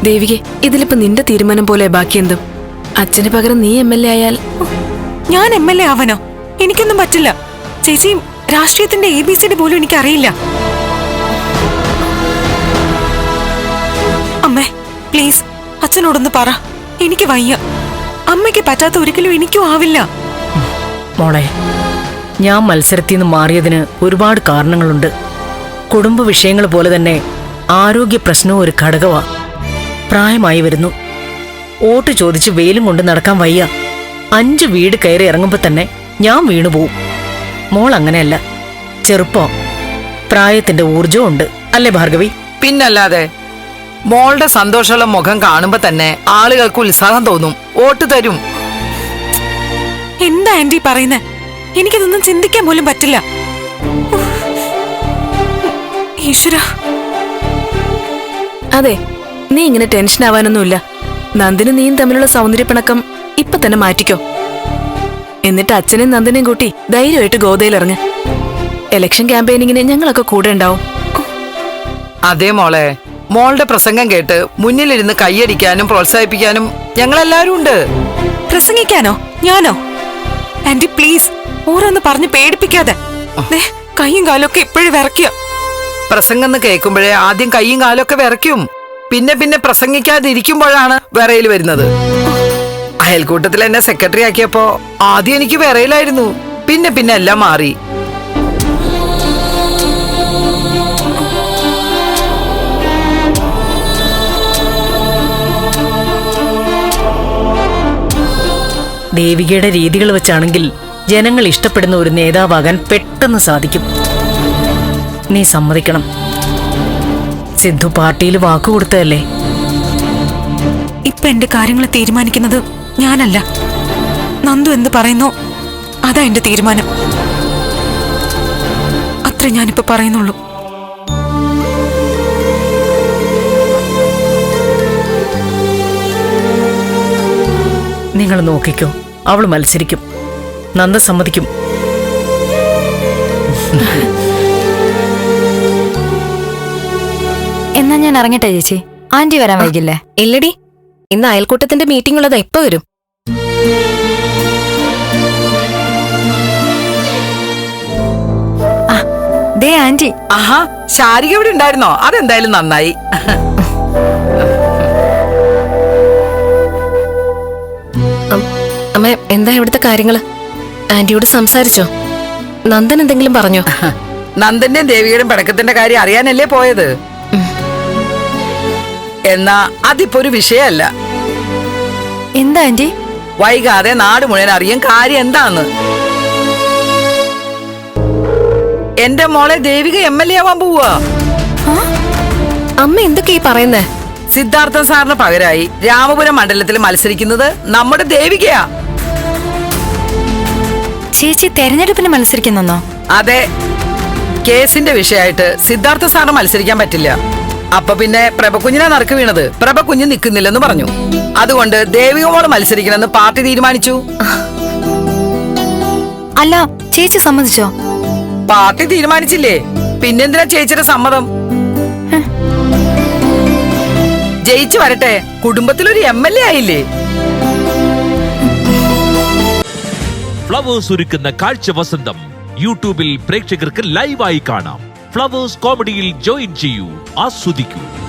ദേവികെ, ഇതിലിപ്പോ നിന്റെ തീരുമാനം പോലെ ബാക്കി എന്തും. അച്ഛന് പകരം നീ MLA ആയാൽ. ഞാൻ MLA ആവാനോ? എനിക്കൊന്നും പറ്റില്ല ചേച്ചി. രാഷ്ട്രീയത്തിന്റെ ABCD പോലും എനിക്കറിയില്ല. അമ്മേ പ്ലീസ്, അച്ഛനോടൊന്ന് പറ. എനിക്ക് വയ്യ. അമ്മയ്ക്ക് പറ്റാത്ത ഒരിക്കലും എനിക്കും ആവില്ല. മോളെ, ഞാൻ മത്സരത്തിൽ നിന്ന് മാറിയതിന് ഒരുപാട് കാരണങ്ങളുണ്ട്. കുടുംബ വിഷയങ്ങൾ പോലെ തന്നെ ആരോഗ്യ പ്രശ്നവും ഒരു ഘടകമാ. പ്രായമായി വരുന്നു. വോട്ട് ചോദിച്ച് വെയിലും കൊണ്ട് നടക്കാൻ വയ്യ. 5 വീട് കയറി ഇറങ്ങുമ്പോ തന്നെ ഞാൻ വീണുപോവും. മോൾ അങ്ങനെയല്ല. ചെറുപ്പം, പ്രായത്തിന്റെ ഊർജവും ഉണ്ട്. അല്ലേ ഭാർഗവി? പിന്നല്ലാതെ. മോളുടെ സന്തോഷമുള്ള മുഖം കാണുമ്പോ തന്നെ ആളുകൾക്ക് ഉത്സാഹം തോന്നും, വോട്ട് തരും. എന്താ ആന്റി പറയുന്നേ? എനിക്കതൊന്നും ചിന്തിക്കാൻ പോലും പറ്റില്ല. ഈശ്വര. അതെ, നീ ഇങ്ങനെ ടെൻഷൻ ആവാനൊന്നുമില്ല. നന്ദിനും നീയും തമ്മിലുള്ള സൗന്ദര്യപ്പിണക്കം ഇപ്പൊ തന്നെ മാറ്റിക്കോ. എന്നിട്ട് അച്ഛനെയും നന്ദിനെയും കൂട്ടി ധൈര്യമായിട്ട് ഗോതയിലിറങ്ങ്. ഇലക്ഷൻ ക്യാമ്പയിനിങ്ങിന് ഞങ്ങളൊക്കെ കൂടെ ഉണ്ടാവും. അതേ മോളെ, മോളുടെ പ്രസംഗം കേട്ട് മുന്നിലിരുന്ന് കൈയടിക്കാനും പ്രോത്സാഹിപ്പിക്കാനും ഞങ്ങളെല്ലാരും ഉണ്ട്. പ്രസംഗിക്കാനോ? ഞാനോ? ആന്റി പ്ലീസ്, ഓരോന്ന് പറഞ്ഞ് പേടിപ്പിക്കാതെ. കൈയും കാലൊക്കെ ഇപ്പോഴും വിറയ്ക്കുക. പ്രസംഗം കേൾക്കുമ്പോഴേ ആദ്യം കൈയും കാലൊക്കെ വിറയ്ക്കും. പിന്നെ പിന്നെ പ്രസംഗിക്കാതിരിക്കുമ്പോഴാണ് വിറയിൽ വരുന്നത്. അയൽക്കൂട്ടത്തിൽ എന്നെ സെക്രട്ടറി ആക്കിയപ്പോ ആദ്യം എനിക്ക് വിറയിലായിരുന്നു. പിന്നെ പിന്നെ എല്ലാം മാറി. ദേവികയുടെ രീതികൾ വെച്ചാണെങ്കിൽ ജനങ്ങൾ ഇഷ്ടപ്പെടുന്ന ഒരു നേതാവാകാൻ പെട്ടെന്ന് സാധിക്കും. നീ സമ്മതിക്കണം. സിദ്ധു പാർട്ടിയിൽ വാക്കുകൊടുത്തതല്ലേ? ഇപ്പൊ എന്റെ കാര്യങ്ങൾ തീരുമാനിക്കുന്നത് ഞാനല്ല. നന്ദു എന്ത് പറയുന്നോ അതാ എന്റെ തീരുമാനം. അത്ര ഞാനിപ്പോ പറയുന്നുള്ളൂ. നിങ്ങൾ നോക്കിക്കോ, അവള് മത്സരിക്കും. നന്ദ സമ്മതിക്കും. എന്നാ ഞാൻ ഇറങ്ങട്ടെ ചേച്ചി. ആന്റി വരാൻ വൈകില്ലേ? ഇല്ലടി, ഇന്ന് അയൽക്കൂട്ടത്തിന്റെ മീറ്റിംഗ് ഉള്ളതാ. ഇപ്പൊ വരും. ദേ ആന്റി. ആഹാ, ശാരിക ഇവിടെ ഉണ്ടായിരുന്നോ? അതെന്തായാലും നന്നായി. അമ്മ, എന്താ ഇവിടുത്തെ കാര്യങ്ങള്? ആന്റിയോട് സംസാരിച്ചോ? നന്ദൻ എന്തെങ്കിലും പറഞ്ഞോ? നന്ദന്റെയും ദേവിയുടെയും പടക്കത്തിന്റെ കാര്യം അറിയാനല്ലേ പോയത്. എന്നാ അതിപ്പോ ഒരു വിഷയമല്ല. എന്താ ആന്റി? വൈകാതെ നാട് മുഴുവൻ അറിയാൻ കാര്യം എന്താന്ന്. എന്റെ മോളെ ദേവിക MLA ആവാൻ പോവാ. അമ്മ എന്തൊക്കെയാ പറയുന്നേ? സിദ്ധാർത്ഥൻ സാറിന് പകരമായി രാമപുരം മണ്ഡലത്തിൽ മത്സരിക്കുന്നത് നമ്മുടെ ദേവികയാ. ചേച്ചി തെരഞ്ഞെടുപ്പിന് മത്സരിക്കുന്നോ? അതെ. കേസിന്റെ വിഷയമായിട്ട് സിദ്ധാർത്ഥ സാറിന് മത്സരിക്കാൻ പറ്റില്ല. അപ്പൊ പിന്നെ പ്രഭകുഞ്ഞിനെ നറുക്ക് വീണത്. പ്രഭകുഞ്ഞ് നിൽക്കുന്നില്ലെന്ന് പറഞ്ഞു. അതുകൊണ്ട് ദേവിക മോള് മത്സരിക്കണമെന്ന് പാർട്ടി തീരുമാനിച്ചു. അല്ല, ചേച്ചി സമ്മതിച്ചോ? പാർട്ടി തീരുമാനിച്ചില്ലേ, പിന്നെന്തിനാ ചേച്ചിയുടെ സമ്മതം? ജയിച്ചു വരട്ടെ, കുടുംബത്തിലൊരു MLA ആയില്ലേ. ഫ്ലവേഴ്സ് ഒരുക്കുന്ന കാഴ്ച വസന്തം യൂട്യൂബിൽ പ്രേക്ഷകർക്ക് ലൈവായി കാണാം. ഫ്ലവേഴ്സ് കോമഡിയിൽ ജോയിൻ ചെയ്യൂ, ആസ്വദിക്കൂ.